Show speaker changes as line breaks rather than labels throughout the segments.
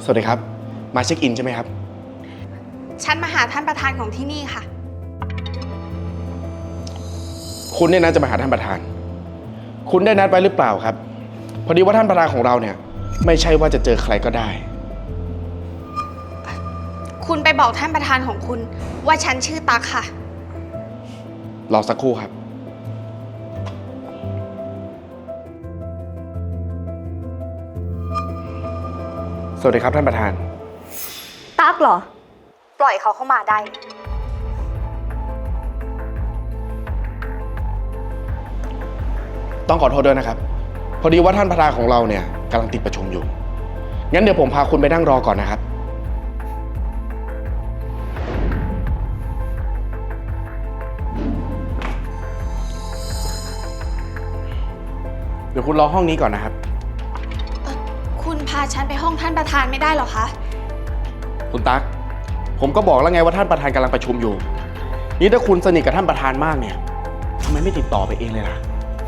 วัสดีครับมาเช็คอินใช่ไหมครับ
ฉันมาหาท่านประธานของที่นี่ค่ะ
คุณเนี่ยนะจะมาหาท่านประธานคุณได้นัดไว้หรือเปล่าครับพอดีว่าท่านประธานของเราเนี่ยไม่ใช่ว่าจะเจอใครก็ได้
คุณไปบอกท่านประธานของคุณว่าฉันชื่อตั๊กค่ะ
รอสักครู่ครับสวัสดีครับท่านประธาน
ตั๊กเหรอปล่อยเขาเข้ามาได้
ต้องขอโทษด้วยนะครับพอดีว่าท่านประธานของเราเนี่ยกำลังติดประชุมอยู่งั้นเดี๋ยวผมพาคุณไปนั่งรอก่อนนะครับเดี๋ยวคุณรอห้องนี้ก่อนนะครับ
คุณพาฉันไปห้องท่านประธานไม่ได้หรอคะ
คุณตั๊กผมก็บอกแล้วไงว่าท่านประธานกำลังประชุมอยู่นี่ถ้าคุณสนิทกับท่านประธานมากเนี่ยทำไมไม่ติดต่อไปเองเลยล่ะ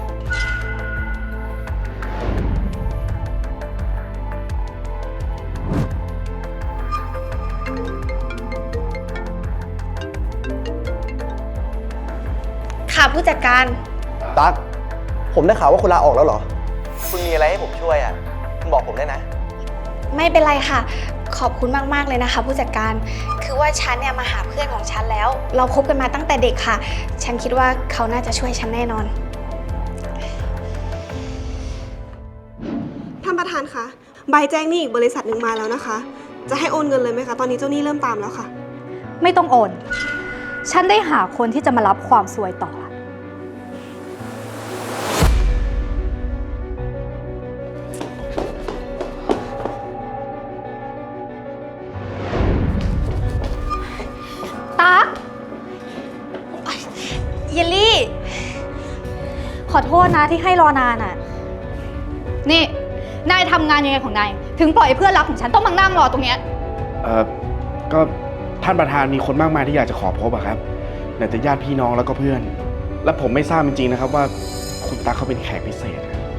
ค่ะผู้จัดการ
ตั๊กผมได้ข่าวว่าคุณลาออกแล้วเหรอคุณมีอะไรให้ผมช่วยอ่ะคุณบอกผมได้นะ
ไม่เป็นไรค่ะขอบคุณมากๆเลยนะคะผู้จัดการคือว่าฉันเนี่ยมาหาเพื่อนของฉันแล้วเราคบกันมาตั้งแต่เด็กค่ะฉันคิดว่าเขาน่าจะช่วยฉันแน่นอน
ท่านประธานคะใบแจ้งหนี้อีกบริษัทหนึ่งมาแล้วนะคะจะให้โอนเงินเลยไหมคะตอนนี้เจ้าหนี้เริ่มตามแล้วค่ะ
ไม่ต้องโอนฉันได้หาคนที่จะมารับความซวยต่อตั๊ก
เยลลี่
ขอโทษนะที่ให้รอนานอ่ะนี่นายทำงานยังไงของนายถึงปล่อยเพื่อนรักของฉันต้องมานั่งรอตรงเนี้ย
ก็ท่านประธานมีคนมากมายที่อยากจะขอพบอะครับไหนแต่ญาติพี่น้องแล้วก็เพื่อนและผมไม่ทราบจริงๆนะครับว่าคุณตั๊กเขาเป็นแขกพิเศษ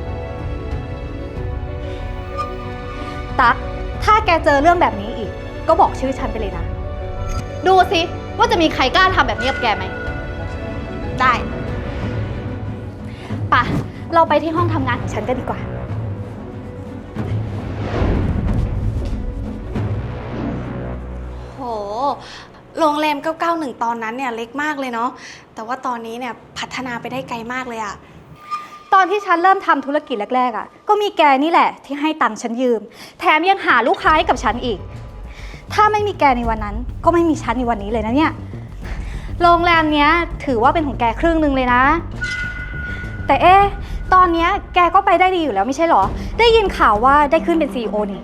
ตั๊กถ้าแกเจอเรื่องแบบนี้อีกก็บอกชื่อฉันไปเลยนะดูสิว่าจะมีใครกล้าทำแบบนี้กับแกไหมได้ป่ะเราไปที่ห้องทำงานของฉันกันดีกว่า
โหโรงแรม991ตอนนั้นเนี่ยเล็กมากเลยเนาะแต่ว่าตอนนี้เนี่ยพัฒนาไปได้ไกลมากเลยอะ
ตอนที่ฉันเริ่มทำธุรกิจแรกๆอ่ะก็มีแกนี่แหละที่ให้ตังค์ฉันยืมแถมยังหาลูกค้าให้กับฉันอีกถ้าไม่มีแกในวันนั้นก็ไม่มีฉันในวันนี้เลยนะเนี่ยโรงแรมเนี้ยถือว่าเป็นของแกครึ่งนึงเลยนะแต่ตอนเนี้ยแกก็ไปได้ดีอยู่แล้วไม่ใช่หรอได้ยินข่าวว่าได้ขึ้นเป็น CEO นี่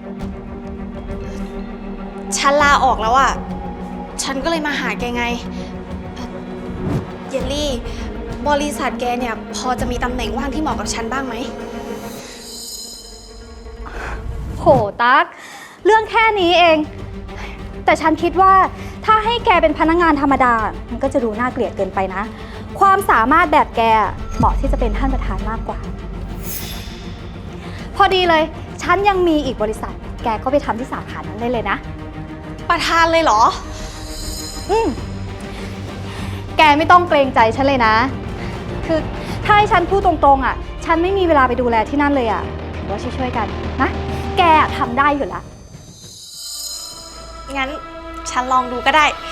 ฉันลาออกแล้วอะฉันก็เลยมาหาแกไงเยลลี่บริษัทแกเนี่ยพอจะมีตำแหน่งว่างที่เหมาะกับฉันบ้างไหม
โหตั๊กเรื่องแค่นี้เองแต่ฉันคิดว่าถ้าให้แกเป็นพนักงานธรรมดามันก็จะดูน่าเกลียดเกินไปนะความสามารถแบบแกเหมาะที่จะเป็นท่านประธานมากกว่าพอดีเลยฉันยังมีอีกบริษัทแกก็ไปทำที่สาขานั้นได้เลยนะ
ประธานเลยเหรอ
แกไม่ต้องเกรงใจฉันเลยนะคือถ้าให้ฉันพูดตรงๆอ่ะฉันไม่มีเวลาไปดูแลที่นั่นเลยอ่ะถือว่าช่วยๆกันนะแกทำได้อยู่แล้ว
งั้นฉันลองดูก็ได้